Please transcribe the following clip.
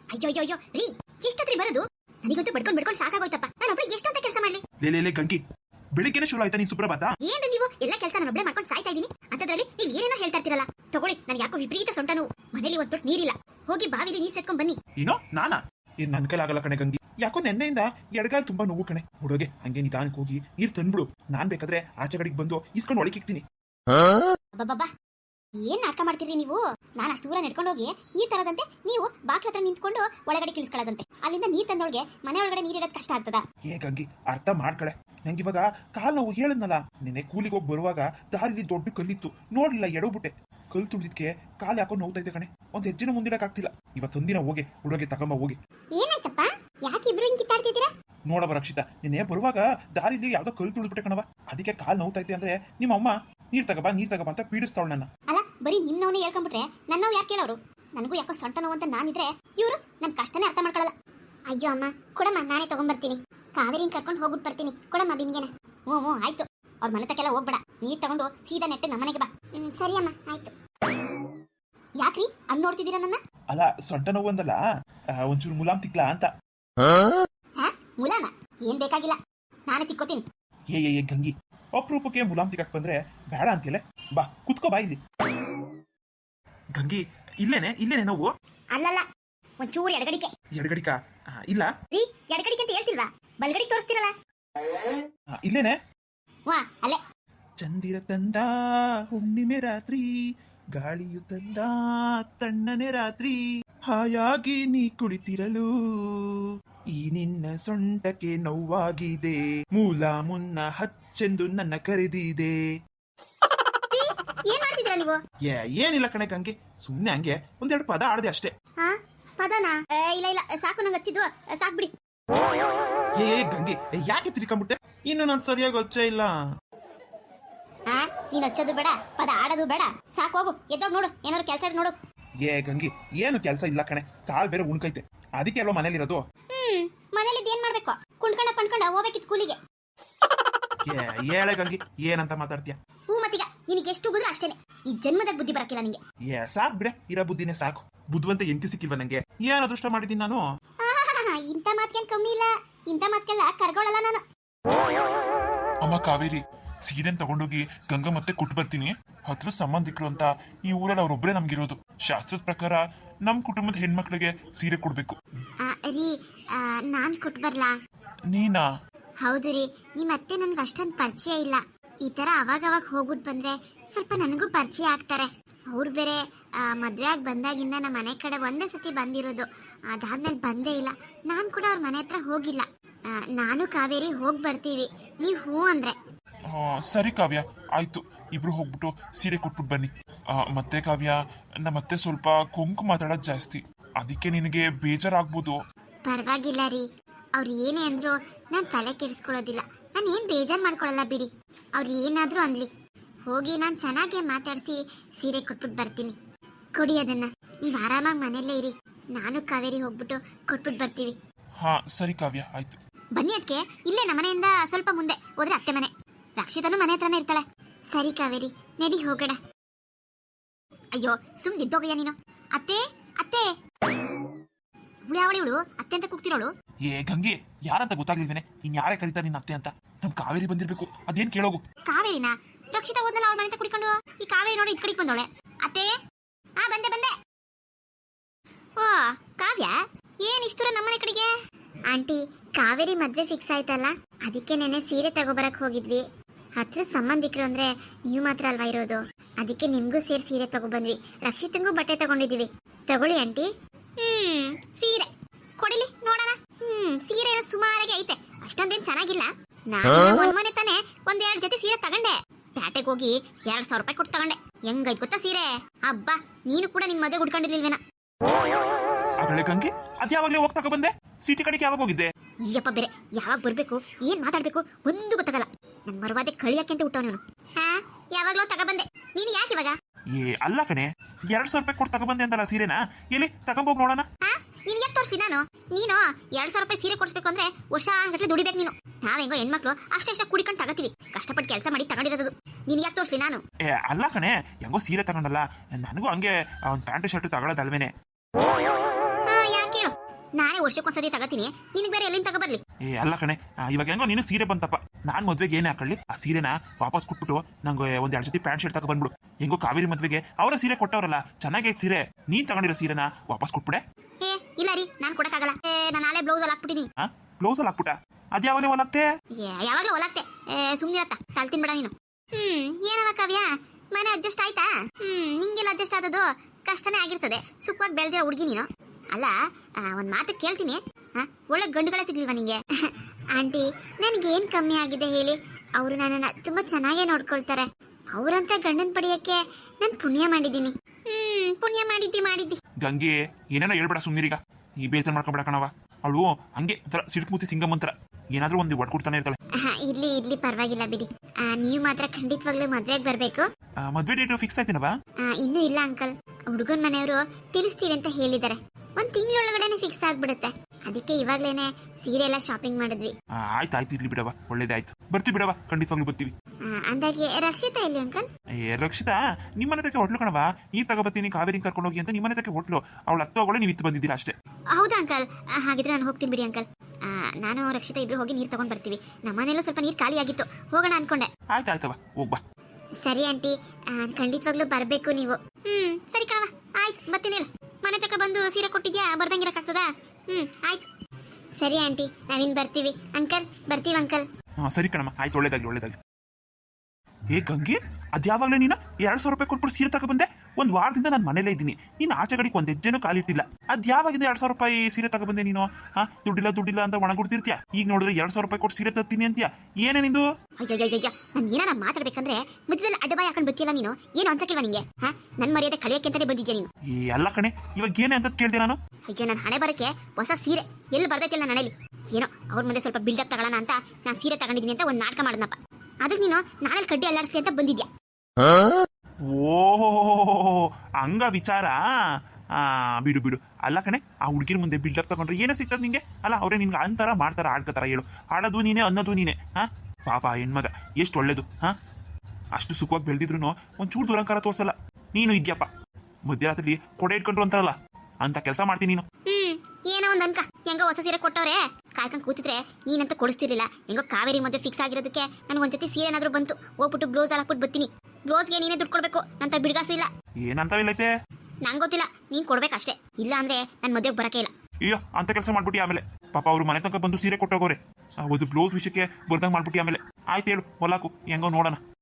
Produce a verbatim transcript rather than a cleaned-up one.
ಅಯ್ಯೋ ಅಯ್ಯೋ ಅಯ್ಯೋ ರೀ ಎಷ್ಟೊತ್ರಿ ಬರೋದು? ನನಗಂತೂ ಬಡ್ಕೊಂಡ್ ಬಡ್ಕೊಂಡ್ ಸಾಕಾಗೋಯ್ತಪ್ಪ. ನಾನು ಒಬ್ಳೆ ಎಷ್ಟೊತ್ತ ಕೆಲಸ ಮಾಡ್ಲಿ? ಲೇ ಲೇ ಲೇ ಗಂಗಿ, ಬೆಳಿಗ್ಗೆನೆ ಶುರು ಆಯ್ತಾ ನೀನ್ ಸುಪ್ರಭಾತ? ಏನ್ರಿ ನೀವು ಎಲ್ಲ ಕೆಲಸ ನಾನು ಒಬ್ಳೆ ಮಾಡ್ಕೊಂಡು ಸಾಯ್ತಾ ಇದೀನಿ, ಅಂತದ್ರಲ್ಲಿ ನೀವ್ ಏನೇನೋ ಹೇಳ್ತಾ ಇರ್ತೀರಲ್ಲ. ತಗೊಳ್ಳಿ, ನನ್ ಯಾಕೋ ವಿಪರೀತ ಸೊಂಟ ನೋವು. ಮನೇಲಿ ಒಂದ್ ತೊಟ್ಟು ನೀರಿಲ್ಲ, ಹೋಗಿ ಬಾವಿಲಿ ನೀರ್ ಸೇರ್ಕೊಂಡ್ ಬನ್ನಿ. ಏನೋ ನಾನಾ? ಏನ್ ನನ್ ಕೈಲಾಗಲ್ಲ ಕಣೆ ಗಂಗಿ. ಯಾಕೋ ನೆನ್ನೆಯಿಂದ ಎಡಗಾಲ್ ತುಂಬಾ ನೋವು ಕಣೆ. ಹುಡುಗೆ ಹಂಗೆ ನಿಧಾನಕ್ಕೆ ಹೋಗಿ ನೀರ್ ತಂದ್ಬಿಡು. ನಾನ್ ಬೇಕಾದ್ರೆ ಆಚೆ ಕಡೆಗೆ ಬಂದು ಇಸ್ಕೊಂಡು ಒಳಗಿಕ್ತೀನಿ. ಬಾಬಾ ಏನ್ ನಾಟಕ ಮಾಡ್ತೀರಿ ನೀವು? ನಾನು ಅಷ್ಟು ದೂರ ನಡ್ಕೊಂಡು ಹೋಗಿ ನೀರ್ ತರದಂತೆ, ನೀವು ಬಾಕ್ಲ ಹತ್ರ ನಿಂತ್ಕೊಂಡು ಒಳಗಡೆ ಕಿಳಿಸ್ಕೊಳ್ಳೋದಂತೆ. ಅಲ್ಲಿಂದ ನೀರ್ ತಂದೊಳಗೆ ಮನೆ ಒಳಗಡೆ ನೀರ್ ಇಡೋದ್ ಕಷ್ಟ ಆಗ್ತದ? ಏ ಗಂಗಿ, ಅರ್ಥ ಮಾಡ್ಕಳೆ. ನಂಗೆ ಇವಾಗ ಕಾಲ್ ನೋವು ಹೇಳದ್ನಲ್ಲ, ನಿನ್ನೆ ಕೂಲಿಗೆ ಹೋಗಿ ಬರುವಾಗ ದಾರಿಲಿ ದೊಡ್ಡ ಕಲ್ಲಿತ್ತು, ನೋಡ್ಲಿಲ್ಲ, ಎಡೋಗ್ಬಿಟ್ಟೆ. ಕಲ್ ತುಳಿದಕ್ಕೆ ಕಾಲ್ ಯಾಕೋ ನೋವ್ತಾ ಕಣೆ. ಒಂದ್ ಹೆಜ್ಜೆನ ಮುಂದಿಡಕ್ ಆಗ್ತಿಲ್ಲ. ಇವತ್ತೊಂದಿನ ಹೋಗಿ ಹುಡುಗೆ ತಗೊಂಬ ಹೋಗಿ. ಏನಾಯ್ತಪ್ಪ? ಯಾಕೆ ಇಬ್ರು ಹಿಂಗ್ ಕಿತ್ತಾಡ್ತಿದ್ದೀರಾ? ನೋಡವ ರಕ್ಷಿತಾ, ನಿನ್ನೆ ಬರುವಾಗ ದಾರಿಲಿ ಯಾವ್ದೋ ಕಲ್ ತುಳಿದ್ಬಿಟ್ಟೆ ಕಣವ. ಅದಕ್ಕೆ ಕಾಲ್ ನೋವ್ತೈತೆ ಅಂದ್ರೆ ನಿಮ್ಮ ಅಮ್ಮ ನೀರ್ ತಗಬಾ ನೀರ್ ತಗಬಾ ಅಂತ ಪೀಡಿಸ್ತಾವಳ ನನ್ನ. ಅಲ್ಲ, ಬರೀ ನಿಮ್ ನೋವನ್ನೇ ಹೇಳ್ಕೊಂಡ್ಬಿಟ್ರೆ ನನ್ನ ನೋವು ಯಾಕೆ ಕೇಳೋರು? ನನಗೂ ಯಾಕೋ ಸೊಂಟ ನೋವು ಅಂತ ನಾನಿದ್ರೆ ಇವರು ನನ್ ಕಷ್ಟನೇ ಅರ್ಥ ಮಾಡ್ಕೊಳ್ಳಲ್ಲ. ಅಯ್ಯೋ ಅಮ್ಮ, ಕೊಡಮ್ಮ, ನಾನೇ ತಗೊಂಡ್ಬರ್ತೀನಿ. ಕಾವೇರಿನ ಕರ್ಕೊಂಡು ಹೋಗ್ಬಿಟ್ಟು ಬರ್ತೀನಿ. ಕೊಡಮ್ಮ ಬಿಂದಿಗೆನ. ಹ್ಞೂ ಹ್ಞೂ ಆಯ್ತು. ಅವ್ರ ಮನೆ ತಕ್ಕೆಲ್ಲ ಹೋಗ್ಬೇಡ, ನೀರ್ ತಗೊಂಡು ಸೀದಾ ನೆಟ್ಟು ನಮ್ಮನೆಗೆ ಬಾ. ಹ್ಮ್ ಸರಿ ಅಮ್ಮ, ಆಯ್ತು. ಯಾಕ್ರಿ ಹಂಗ್ ನೋಡ್ತಿದ್ದೀರಾ ನನ್ನ? ಅಲ್ಲ, ಸೊಂಟ ನೋವು ಅಂದಲ್ಲ, ಒಂಚೂರು ಮುಲಾಮ್ ತಿಕ್ಲಾ ಅಂತ. ಹಾ, ಮುಲಾಮ ಏನ್ ಬೇಕಾಗಿಲ್ಲ, ನಾನೇ ತಿಕ್ಕೋತೀನಿ. ಏ ಏ ಗಂಗಿ, ಅಪರೂಪಕ್ಕೆ ಮುಲಾಮ್ ತಿಕ್ಕಕ್ ಬಂದ್ರೆ ಬೇಡ ಅಂತಿಲ್ಲ. ಬಾ ಕುತ್ಕೋ, ಬಾ ಇಲ್ಲಿ. ಗಂಗಿ, ಇಲ್ಲೇನೆ ಇಲ್ಲೇನೆ ನೋವು? ಅಲ್ಲಲ್ಲ, ಒಂಚೂರು ಎಡಗಡಿಕೆ. ಎಡಗಡಿಕ ಇಲ್ಲ ರೀ, ಎಡಗಡಿಕೆ ಅಂತ ಹೇಳ್ತಿಲ್ವಾ? ಬಲ್ಗಡಿಗೆ ತೋರಿಸ್ತಿರಲ್ಲ. ಇಲ್ಲೇನೆ. ವಾ, ಅಲ್ಲೇ. ಚಂದಿರ ತಂದ ಹುಣ್ಣಿಮೆ ರಾತ್ರಿ, ಗಾಳಿಯು ತಂದ ತಣ್ಣನೆ ರಾತ್ರಿ, ಹಾಯಾಗಿ ನೀ ಕುಳಿತಿರಲು ಈ ನಿನ್ನ ಸೊಂಟಕ್ಕೆ ನೋವಾಗಿದೆ, ಮೂಲ ಮುನ್ನ ಹಚ್ಚೆಂದು ನನ್ನ ಕರೆದಿದೆ. ಏನ್ ಮಾಡ್ತಿದ್ದೀರಾ ನೀವು? ಏ ಏನಿಲ್ಲ ಕಣೆ ಗಂಗೆ, ಸುಮ್ನೆ ಹಂಗೆ ಒಂದೆರಡು ಪದ ಆಡದೆ ಅಷ್ಟೇ. ಹಾ, ಪದನಾ? ಇಲ್ಲ ಇಲ್ಲ, ಸಾಕು, ನಂಗೆ ಹಚ್ಚಿದ್ದು ಸಾಕ್ ಬಿಡಿ. ಏ ಗಂಗೆ, ಯಾಕೆ ತಿರ್ಕೊಂಡ್ಬಿಟ್ಟೆ? ಇನ್ನು ನಾನು ಸರಿಯಾಗಿ ಹಚ್ಚೇ ಇಲ್ಲ. ಹಾ, ನೀನ್ ಹಚ್ಚೋದು ಬೇಡ, ಪದ ಆಡೋದು ಬೇಡ, ಸಾಕು, ಹೋಗು, ಎದ್ದೋಗ್ ನೋಡು, ಏನಾದ್ರು ಕೆಲಸ ಇದೆ ನೋಡು. ಏ ಗಂಗಿ, ಏನು ಕೆಲಸ ಇಲ್ಲ ಕಣೆ, ಕಾಲ್ ಬೇರೆ ಉಣ್ಕೈತೆ, ಅದಕ್ಕೆ ಅಲ್ವಾ ಮನೇಲಿರೋದು. ಹ್ಮ್, ಮನೇಲಿ ಏನ್ ಮಾಡ್ಬೇಕು? ಕುಣ್ಕೊಂಡ ಪಣ್ಕೊಂಡ ಹೋಗ್ಬೇಕಿತ್ತು ಕೂಲಿಗೆ. ಏ ಹೇಳೆ ಗಂಗಿ, ಏನಂತ ಮಾತಾಡ್ತೀಯ? ಹೂ ಮತ್ತೀಗ ನಿನಗೆ ಎಷ್ಟು ಬುದ್ರೆ ಅಷ್ಟೇನೆ. ಈ ಜನ್ಮದಾಗ ಬುದ್ಧಿ ಬರಕಿಲ್ಲ ನಿಂಗೆ. ಏ ಸಾಕ್ ಬಿಡೆ, ಇರೋ ಬುದ್ಧಿನೇ ಸಾಕು. ಬುದ್ಧಿವಂತ ಎಂಟಿ ಸಿಕ್ಕಿಲ್ವ ನಂಗೆ? ಏನ್ ಅದೃಷ್ಟ ಮಾಡಿದೀನಿ ನಾನು. ಇಂಥ ಮಾತ್ಕೇನ್ ಕಮ್ಮಿ ಇಲ್ಲ, ಇಂಥ ಮಾತ್ಕೆಲ್ಲ ಕರ್ಗೊಳಲ್ಲ ನಾನು. ಅಮ್ಮ ಕಾವೇರಿ, ಸೀರೆನ್ ತಗೊಂಡೋಗಿ ಗಂಗಾ ಮತ್ತೆ ಕೊಟ್ಟು ಬರ್ತೀನಿ. ಹತ್ರ ಸಂಬಂಧಿಕರು ಅಂತ ಈ ಊರಲ್ಲಿ ಅವ್ರೊಬ್ರೆ ನಮ್ಗಿರೋದು. ಶಾಸ್ತ್ರದ ಪ್ರಕಾರ ನಮ್ ಕುಟುಂಬದ ಹೆಣ್ಮಕ್ಳಿಗೆ ಸೀರೆ ಕೊಡ್ಬೇಕು. ರೀ, ನಾನ್ ಕೊಟ್ಟು ಬರ್ಲಾ? ನೀನಾ? ಹೌದು ರೀ, ನಿಮ್ಮ ಅತ್ತೆ ನನ್ಗೆ ಅಷ್ಟೊಂದು ಪರಿಚಯ ಇಲ್ಲ. ಈ ತರ ಅವಾಗ ಅವಾಗ ಹೋಗ್ಬಿಟ್ಟು ಬಂದ್ರೆ ಸ್ವಲ್ಪ ನನಗೂ ಪರಿಚಯ ಆಗ್ತಾರೆ. ಅವ್ರು ಬೇರೆ ಮದ್ವೆ ಆಗಿ ಬಂದಾಗಿಂದ ನಮ್ಮ ಮನೆ ಕಡೆ ಒಂದೇ ಸತಿ ಬಂದಿರೋದು, ಅದಾದ್ಮೇಲೆ ಬಂದೇ ಇಲ್ಲ. ನಾನು ಕೂಡ ಅವ್ರ ಮನೆ ಹತ್ರ ಹೋಗಿಲ್ಲ. ನಾನು ಕಾವೇರಿ ಹೋಗಿ ಬರ್ತೀವಿ, ನೀವು ಹೂ ಅಂದ್ರೆ. ಸರಿ ಕಾವ್ಯ, ಆಯ್ತು, ಇಬ್ರು ಹೋಗ್ಬಿಟ್ಟು ಸೀರೆ ಕೊಟ್ಬಿಟ್ಟು ಬನ್ನಿ. ಮತ್ತೆ ಕಾವ್ಯ, ನಮ್ಮತ್ತೆ ಸ್ವಲ್ಪ ಕೊಂಕು ಮಾತಾಡೋದು ಜಾಸ್ತಿ, ಅದಕ್ಕೆ ನಿನಗೆ ಬೇಜಾರಾಗ್ಬೋದು. ಪರವಾಗಿಲ್ಲ ರೀ, ಅವ್ರು ಏನೇ ಅಂದ್ರು ನಾನು ತಲೆ ಕೆಡಿಸ್ಕೊಳ್ಳೋದಿಲ್ಲ. ನಾನು ಏನ್ ಬೇಜಾರು ಮಾಡ್ಕೊಳ್ಳಲ್ಲ ಬಿಡಿ. ಅವ್ರು ಏನಾದ್ರೂ ಅನ್ಲಿ, ಹೋಗಿ ನಾನು ಚೆನ್ನಾಗಿ ಮಾತಾಡಿಸಿ ಸೀರೆ ಕೊಟ್ಬಿಟ್ಟು ಬರ್ತೀನಿ. ಕೊಡಿ ಅದನ್ನ, ನೀವು ಆರಾಮಾಗಿ ಮನೆಯಲ್ಲೇ ಇರಿ. ನಾನು ಕಾವೇರಿ ಹೋಗ್ಬಿಟ್ಟು ಕೊಟ್ಬಿಟ್ಟು ಬರ್ತೀವಿ. ಹಾ ಸರಿ ಕಾವ್ಯ, ಆಯ್ತು. ಬನ್ನಿ ಅದಕ್ಕೆ, ಇಲ್ಲೇ ನಮ್ಮ ಮನೆಯಿಂದ ಸ್ವಲ್ಪ ಮುಂದೆ ಹೋದ್ರೆ ಅತ್ತೆ ಮನೆ. ರಕ್ಷಿತನು ಮನೆ ಹತ್ರನೇ ಇರ್ತಾಳೆ. ಸರಿ ಕಾವೇರಿ, ನಡಿ ಹೋಗೋಣ. ಅಯ್ಯೋ, ಸುಮ್ ನಿದ್ದೋಗಯ್ಯ ನೀನು. ಅತ್ತೆ ಅತ್ತೆ, ಇವಳು ಯಾವಳಿ ಇವಳು ಅತ್ತೆ ಅಂತ ಕೂಗ್ತಿರೋಳು? ಏ ಗಂಗೆ, ಯಾರಂತ ಗೊತ್ತಾಗ್ಲಿಲ್ವೇನೆ? ಇನ್ ಯಾರೇ ಕರೀತಾ ನಿನ್ನ ಅತ್ತೆ ಅಂತ? ನಮ್ ಕಾವೇರಿ ಬಂದಿರ್ಬೇಕು, ಅದೇನ್ ಕೇಳೋಗು. ಕಾವೇರಿನಾ? ರಕ್ಷಿತಾ ಹೋದ್ನಲ್ಲ ಅವಳ ಮನೆ ಕುಡಿಕೊಂಡು, ಈ ಕಾವೇರಿ ನೋಡಿ ಇದ್ ಕಡೆಗೆ ಬಂದವಳೆ. ಅತ್ತೆ, ಆ ಬಂದೆ ಬಂದೆ. ಓ ಕಾವ್ಯ, ಏನ್ ಇಷ್ಟೂರ ನಮ್ಮನೆ ಕಡೆಗೆ? ಆಂಟಿ, ಕಾವೇರಿ ಮದ್ವೆ ಫಿಕ್ಸ್ ಆಯ್ತಲ್ಲ, ಅದಕ್ಕೆ ನೆನೆ ಸೀರೆ ತಗೋಬರಕ್ ಹೋಗಿದ್ವಿ. ಹತ್ರ ಸಂಬಂಧಿಕರು ಅಂದ್ರೆ ನೀವು ಮಾತ್ರ ಅಲ್ವಾ ಇರೋದು, ಅದಕ್ಕೆ ನಿಮ್ಗೂ ಸೇರಿ ಸೀರೆ ತಗೊಬಂದ್ವಿ. ರಕ್ಷಿತಂಗೂ ಬಟ್ಟೆ ತಗೊಂಡಿದೀವಿ, ತಗೊಳ್ಳಿ ಆಂಟಿ. ಹ್ಮ್, ಸೀರೆ ಕೊಡಿಲಿ ನೋಡೋಣ. ಹ್ಮ್, ಸೀರೆ ಏನೋ ಸುಮಾರಾಗಿ ಐತೆ, ಅಷ್ಟೊಂದೇನ್ ಚೆನ್ನಾಗಿಲ್ಲ. ನಾನು ಒಂದ್ ಮನೆ ತಾನೆ ಒಂದೆರಡು ಜೊತೆ ಸೀರೆ ತಗೊಂಡೆ. ಪ್ಯಾಟೆಗೆ ಹೋಗಿ ಎರಡ್ ಸಾವಿರ ರೂಪಾಯಿ ಕೊಟ್ಟು ತಗೊಂಡೆ. ಹೆಂಗೈತ್ ಗೊತ್ತಾ ಸೀರೆ? ಹಬ್ಬ, ನೀನು ಕೂಡ ನಿಮ್ ಮದುವೆ ಉಡ್ಕೊಂಡಿರ್ಲಿಲ್ವೇನ? ಅದಳೆ ಗಂಗೆ, ಅದ್ಯಾವಾಗ್ಲೇ ಹೋಗ್ ತಗೋ ಬಂದೆ. ಸಿಟಿ ಕಡೆಗೆ ಯಾವಾಗ ಹೋಗಿದ್ದೆ? ಈಯಪ್ಪ ಬೇರೆ, ಯಾವಾಗ ಬರ್ಬೇಕು, ಏನ್ ಮಾತಾಡ್ಬೇಕು ಒಂದು ಗೊತ್ತಾಗಲ್ಲ. ನನ್ ಮರವಾದೆ ಕಳಿಯಕ್ಕೆ ಅಂತ ಹುಟ್ಟವನು. ಹಾ, ಯಾವಾಗ್ಲೋ ತಗೊಬಂದೆ. ನೀನು ಯಾಕೆ ಇವಾಗ? ಏ ಅಲ್ಲ ಕಣೆ, ಎರಡ್ ಸಾವಿರ ರೂಪಾಯಿ ಕೊಟ್ಟು ತಗೊಬಂದೆ ಅಂತಲ್ಲ ಸೀರೆನಾ, ಎಲ್ಲಿ ತಗೊಂಬೋಗ್ ನೋಡೋಣ. ಹಾ, ನೀನ್ ಯಾಕೆ ತೋರಿಸಿ? ನಾನು ನೀನು ಎರಡ್ ಸಾವಿರ ರೂಪಾಯಿ ಸೀರೆ ಕೊಡ್ಸ್ಬೇಕು ಅಂದ್ರೆ ವರ್ಷ ಗಟ್ಟಲೆ ದುಡಿಬೇಕು ನೀನು. ನಾವ್ ಹೆಂಗೋ ಹೆಣ್ಮಕ್ಳು ಅಷ್ಟೆಷ್ಟ ಕುಡಿಕೊಂಡು ತಗೋತೀವಿ, ಕಷ್ಟಪಟ್ಟು ಕೆಲಸ ಮಾಡಿ ತಗೊಂಡಿರೋದು. ನೀನ್ ಯಾಕೆ ತೋರಿಸಿ? ನಾನು ಏ ಅಲ್ಲ ಕಣೆ, ಹೆಂಗೋ ಸೀರೆ ತಗೊಂಡಲ್ಲ, ನನಗೂ ಹಂಗೆ ಒಂದ್ ಪ್ಯಾಂಟ್ ಶರ್ಟ್ ತಗೊಳ್ಳೋದಲ್ವೇನೆ. ಹಾ, ಯಾಕೆ ಹೇಳು? ನಾನೇ ವರ್ಷಕ್ಕೊಂದ್ಸತಿ ತಗೋತೀನಿ, ನಿನಗೆ ಬೇರೆ ಎಲ್ಲಿಂದ ತಗೋಬರ್ಲಿ? ಏ ಅಲ್ಲ ಕಣೆ, ಆ, ಇವಾಗ ಹೆಂಗೋ ನೀನು ಸೀರೆ ಬಂತಪ್ಪ, ನಾನ್ ಮದ್ವೆಗೆ ಏನೇ ಹಾಕೊಳ್ಳಿ ಆ ಸೀರೆನ ವಾಪಸ್ ಕೊಟ್ಬಿಟ್ಟು ನಂಗೆ ಒಂದ್ ಎರಡು ಜೊತೆ ಪ್ಯಾಂಟ್ ಶರ್ಟ್ ತಗೋ ಬಂದ್ಬಿಡು. ಹೆಂಗೋ ಕಾವೇರಿ ಮದ್ವೆಗೆ ಅವರ ಸೀರೆ ಕೊಟ್ಟವ್ರಲ್ಲ, ಚೆನ್ನಾಗೈತೆ ಸೀರೆ, ನೀನ್ ತಗೊಂಡಿರೋ ಸೀರೆನ ವಾಪಸ್ ಕೊಟ್ಬಿಡೆ. ಏ ಇಲ್ಲ ರೀ, ನಾನು ಕೊಡಕ್ಕಾಗಲ್ಲ. ಏ ನಾನು ನಾಳೆ ಬ್ಲೌಸ್ ಅಲ್ಲಿ ಹಾಕ್ಬಿಟ್ಟಿನಿ. ಹಾ ಬ್ಲೌಸ್ ಅಲ್ಲಿ ಹಾಕ್ಬಿಟ್ಟ, ಅದ್ಯಾವಾಗಲೇ ಹೊಲಾಗ್ತೆ? ಏ ಯಾವಾಗಲೂ ಹೊಲಾಕ್ತೆ. ಏ ಸುಮ್ಮನೆ ಅತ್ತ ತಳ್ತೀನಿ ಬಿಡ ನೀನು. ಹ್ಮ್ ಏನವ ಕಾವ್ಯ, ಮನೆ ಅಡ್ಜಸ್ಟ್ ಆಯ್ತಾ? ಹ್ಮ್ ನಿಂಗೆಲ್ಲ ಅಡ್ಜಸ್ಟ್ ಆದದು ಕಷ್ಟನೇ ಆಗಿರ್ತದೆ. ಸುಖವಾಗಿ ಬೆಳೆದಿರೋ ಹುಡುಗಿ ನೀನು. ಅಲ್ಲ ಒಂದ್ ಮಾತು ಕೇಳ್ತೀನಿ, ಹಾ ಒಳ್ಳೆ ಗಂಡುಗಳೇ ಸಿಗ್ಲಿಲ್ವಾ ನಿಂಗೆ? ಆಂಟಿ ನನ್ಗೇನ್ ಕಮ್ಮಿ ಆಗಿದೆ ಹೇಳಿ? ಅವರು ನನ್ನನ್ನ ತುಂಬಾ ಚೆನ್ನಾಗೇ ನೋಡ್ಕೊಳ್ತಾರೆ. ಅವ್ರಂತ ಗಂಡನ್ ಪಡೆಯಕ್ಕೆ ನಾನು ಪುಣ್ಯ ಮಾಡಿದ್ದೀನಿ. ಹ್ಮ್ ಪುಣ್ಯ ಮಾಡಿದ್ದಿ ಮಾಡಿದ್ದಿ. ಗಂಗೆ ಏನೇನೋ ಹೇಳ್ಬೇಡ ಸುಮ್ನಿರೀಗ, ಈ ಬೇಜಾರ್ ಮಾಡ್ಕೊಂಬೇಡ ಕಣವ. ಅವಳು ಹಂಗೆ ಒಂಥರ ಸಿಡ್ಕುಮೂತಿ ಸಿಂಗಮ್ಮಂತರ ಏನಾದ್ರೂ ಒಂದು ಒಡ್ಕೊಡ್ತಾನೆ ಇರ್ತಾಳೆ. ಹಾ ಇರ್ಲಿ ಇರ್ಲಿ ಪರವಾಗಿಲ್ಲ ಬಿಡಿ. ಆ, ನೀವು ಮಾತ್ರ ಖಂಡಿತವಾಗ್ಲೂ ಮದ್ವೆಗೆ ಬರ್ಬೇಕು. ಆ, ಮದ್ವೆ ಡೇಟ್ ಫಿಕ್ಸ್ ಆಯ್ತೇನವಾ? ಆ, ಇನ್ನೂ ಇಲ್ಲ ಅಂಕಲ್, ಹುಡುಗನ್ ಮನೆಯವರು ತಿಳಿಸ್ತೀವಿ ಅಂತ ಹೇಳಿದ್ದಾರೆ. ಒಂದ್ ತಿಂಗಳೊಳಗಡೆನೆ ಫಿಕ್ಸ್ ಆಗ್ಬಿಡುತ್ತೆ. ಅದಕ್ಕೆ ಇವಾಗ್ಲೇನೆ ಸೀರೆ ಎಲ್ಲ ಶಾಪಿಂಗ್ ಮಾಡಿದ್ವಿ. ಆ, ಆಯ್ತು ಆಯ್ತು ಇರ್ಲಿ ಬಿಡವ, ಒಳ್ಳೇದೇ ಆಯ್ತು. ಬರ್ತೀವಿ ಬಿಡವ, ಖಂಡಿತವಾಗ್ಲೂ ಬರ್ತೀವಿ. ಆ, ಅಂದಾಗೆ ರಕ್ಷಿತಾ ಇಲ್ಲಿ ಅಂಕಲ್? ಏ ರಕ್ಷಿತಾ ನಿಮ್ಮನೆ ತಕ್ಕೆ ಹೋಟ್ಲು ಕಣವ, ಈ ತಗೋಬತ್ತೀನಿ ಕಾವೇರಿ ಕರ್ಕೊಂಡು ಹೋಗಿ ಅಂತ ನಿಮ್ಮನೆ ತಕ್ಕೆ ಹೋಟ್ಲು. ಅವಳ ಹತ್ತು ಅವಳೆ ನೀವು ಇತ್ತು ಬಂದಿದ್ದೀರಾ ಅಷ್ಟೇ. ಹೌದಾ ಅಂಕಲ್? ಆ, ಹಾಗಿದ್ರೆ ನಾನು ಹೋಗ್ತೀನಿ ಬಿಡಿ ಅಂಕಲ್. ಆ, ನಾನು ರಕ್ಷಿತಾ ಇಬ್ರು ಹೋಗಿ ನೀರು ತಗೊಂಡ್ ಬರ್ತೀವಿ. ನಮ್ಮನೆಯಲ್ಲೂ ಸ್ವಲ್ಪ ನೀರು ಖಾಲಿ ಆಗಿತ್ತು, ಹೋಗೋಣ ಅನ್ಕೊಂಡೆ. ಆಯ್ತು ಆಯ್ತವ, ಹೋಗ್ಬಾ. ಸರಿ ಆಂಟಿ, ಆ, ಖಂಡಿತವಾಗ್ಲೂ ಬರ್ಬೇಕು ನೀವು. ಹ್ಮ್ ಸರಿ ಕಣವ, ಆಯ್ತು ಬರ್ತೀನಿ ಹೇಳು. ಮನೆ ತಕ ಬಂದು ಸೀರೆ ಕೊಟ್ಟಿದ್ಯಾ, ಬರ್ದಂಗಿರಕ್ಕಾಗ್ತದಾ? ಹ್ಮ್ ಆಯ್ತು ಸರಿ ಆಂಟಿ, ನಾವಿನ್ ಬರ್ತೀವಿ. ಅಂಕಲ್ ಬರ್ತೀವಿ ಅಂಕಲ್. ಹಾ ಸರಿ ಕಣಮ್ಮ, ಆಯ್ತು, ಒಳ್ಳೇದಾಗ್ಲಿ ಒಳ್ಳೇದಾಗ್ಲಿ. ಏ ಗಂಗೆ, ಅದ್ಯಾವಾಗಲೇ ನೀನು ಎರಡು ಸಾವಿರ ರೂಪಾಯಿ ಕೊಟ್ಬಿಟ್ಟು ಸೀರೆ ತಗೊಬಂದೆ? ಒಂದು ವಾರದಿಂದ ನಾನು ಮನೇಲೇ ಇದ್ದೀನಿ, ನೀನು ಆಚೆ ಕಡೆಗೆ ಒಂದು ಹೆಜ್ಜೆನೂ ಕಾಲಿಟ್ಟಿಲ್ಲ. ಅದ್ಯಾವಾಗಿಂದ ಎರಡು ಸಾವಿರ ರೂಪಾಯಿ ಸೀರೆ ತಗೊಬಂದೆ ನೀನು? ಹಾ ದುಡ್ಡಿಲ್ಲ ದುಡ್ಡಿಲ್ಲ ಅಂತ ಒಣಗುಡ್ತಿರ್ತೀಯ, ಈಗ ನೋಡಿದ್ರೆ ಎರಡು ಸಾವಿರ ರೂಪಾಯಿ ಕೊಟ್ಟು ಸೀರೆ ತರ್ತೀನಿ ಅಂತೀಯ, ಏನೇ ನಿಂದು? ಅಯ್ಯೋ ಅಯ್ಯೋ, ನಾನು ಏನಾರ ಮಾತಾಡ್ಬೇಕಂದ್ರೆ ಮಧ್ಯದಲ್ಲಿ ಅಡ್ಡಬಾಯಿ ಹಾಕೊಂಡು ಬತ್ತಿಯಲ್ಲ ನೀನು, ಏನು ಅನ್ಸಕ್ಕಿಲ್ವಾ ನಿಂಗೆ? ಹಾ ನನ್ನ ಮರ್ಯಾದೆ ಕಳಿಯಕ್ಕೆ ಅಂತಾನೆ ಬಂದಿದ್ಯಾ ನೀನು? ಏ ಅಲ್ಲ ಕಣೆ, ಇವಾಗ ಏನೇ ಅಂತ ಕೇಳ್ದೆ ನಾನು? ಅಯ್ಯೋ ನನ್ನ ಹಣೆ ಬರಕ್ಕೆ ಹೊಸ ಸೀರೆ ಎಲ್ಲಿ ಬರ್ತೈತಿಲ್ಲ ನನ್ನ ಹಣೆಲಿ. ಏನೋ ಅವ್ರ ಮುಂದೆ ಸ್ವಲ್ಪ ಬಿಲ್ಡಪ್ ತಗೊಳ್ಳೋಣ ಅಂತ ನಾನು ಸೀರೆ ತಗೊಂಡಿದ್ದೀನಿ ಅಂತ ಒಂದು ನಾಟಕ ಮಾಡಿದ್ನಪ್ಪ. ಅದಕ್ಕೆ ನೀನು ನಾಳೆ ಕಡ್ಡಿ ಅಲ್ಲಾಡಿಸ್ಲಿ ಅಂತ ಬಂದಿದ್ಯಾ. ಓಹೋ ಹಂಗ ವಿಚಾರ. ಆ ಬಿಡು ಬಿಡು. ಅಲ್ಲ ಕಣೆ, ಆ ಹುಡುಗಿರ ಮುಂದೆ ಬಿಲ್ಡಪ್ ತಗೊಂಡ್ರೆ ಏನೋ ಸಿಗ್ತದೆ ನಿಂಗೆ? ಅಲ್ಲ ಅವರೇ ನಿನ್ಗೆ ಅಂತಾರ ಮಾಡ್ತಾರ ಆಡ್ಕತಾರ ಹೇಳು? ಆಡೋದು ನೀನೆ, ಅನ್ನೋದು ನೀನೆ. ಹಾ ಪಾಪ ಹೆಣ್ಮಗ ಎಷ್ಟು ಒಳ್ಳೇದು. ಹಾ ಅಷ್ಟು ಸುಖವಾಗಿ ಬೆಳೆದಿದ್ರು ಒಂಚೂರು ದುರಂಕಾರ ತೋರ್ಸಲ್ಲ. ನೀನು ಇದ್ಯಪ್ಪ ಮಧ್ಯರಾತ್ರಿ ಕೊಡೆ ಇಟ್ಕೊಂಡ್ರು ಅಂತಾರಲ್ಲ, ಅಂತ ಕೆಲಸ ಮಾಡ್ತೀನಿ ನೀನು. ಹ್ಮ್ ಏನೋ ಒಂದ್ ಅನ್ಕ, ಹೆಂಗೋ ಹೊಸ ಸೀರೆ ಕೊಟ್ಟವ್ರೆ ಕಾಯ್ಕೊಂಡ್ ಕೂತಿದ್ರೆ ನೀನಂತ ಕೊಡಿಸ್ತಿರ್ಲಿಲ್ಲ. ಹೆಂಗೋ ಕಾವೇರಿ ಮದುವೆ ಫಿಕ್ಸ್ ಆಗಿರೋದಕ್ಕೆ ನನ್ಗೆ ಒಂದ್ ಜೊತೆ ಸೀರೆ ಏನಾದ್ರು ಬಂತು, ಹೋಗ್ಬಿಟ್ಟು ಬ್ಲೌಸ್ ಹಾಕ್ಬಿಟ್ಟು ಬರ್ತೀನಿ. ಬ್ಲೌಸ್ಗೆ ನೀನೇ ದುಡ್ಡು ಕೊಡ್ಬೇಕು, ನಂತ ಬಿಡ್ಗಾಸು ಇಲ್ಲ. ಏನಂತವಿಲ್ಲೈತೆ ನಂಗೆ ಗೊತ್ತಿಲ್ಲ, ನೀನ್ ಕೊಡ್ಬೇಕಷ್ಟೇ. ಇಲ್ಲ ಅಂದ್ರೆ ನನ್ ಮದುವೆಗೆ ಬರಕೇ ಇಲ್ಲ. ಅಯ್ಯೋ ಅಂತ ಕೆಲಸ ಮಾಡ್ಬಿಟ್ಟು ಆಮೇಲೆ ಪಾಪ ಅವ್ರು ಮನೆ ತನಕ ಬಂದು ಸೀರೆ ಕೊಟ್ಟೋಗೋರೆ, ಒಂದು ಬ್ಲೌಸ್ ವಿಷಯಕ್ಕೆ ಬರ್ದಂಗೆ ಮಾಡ್ಬಿಟ್ಟು ಆಮೇಲೆ ಆಯ್ತು ಹೇಳು ಹೊಲಾಕು ಹೆಂಗೋ ನೋಡೋಣ.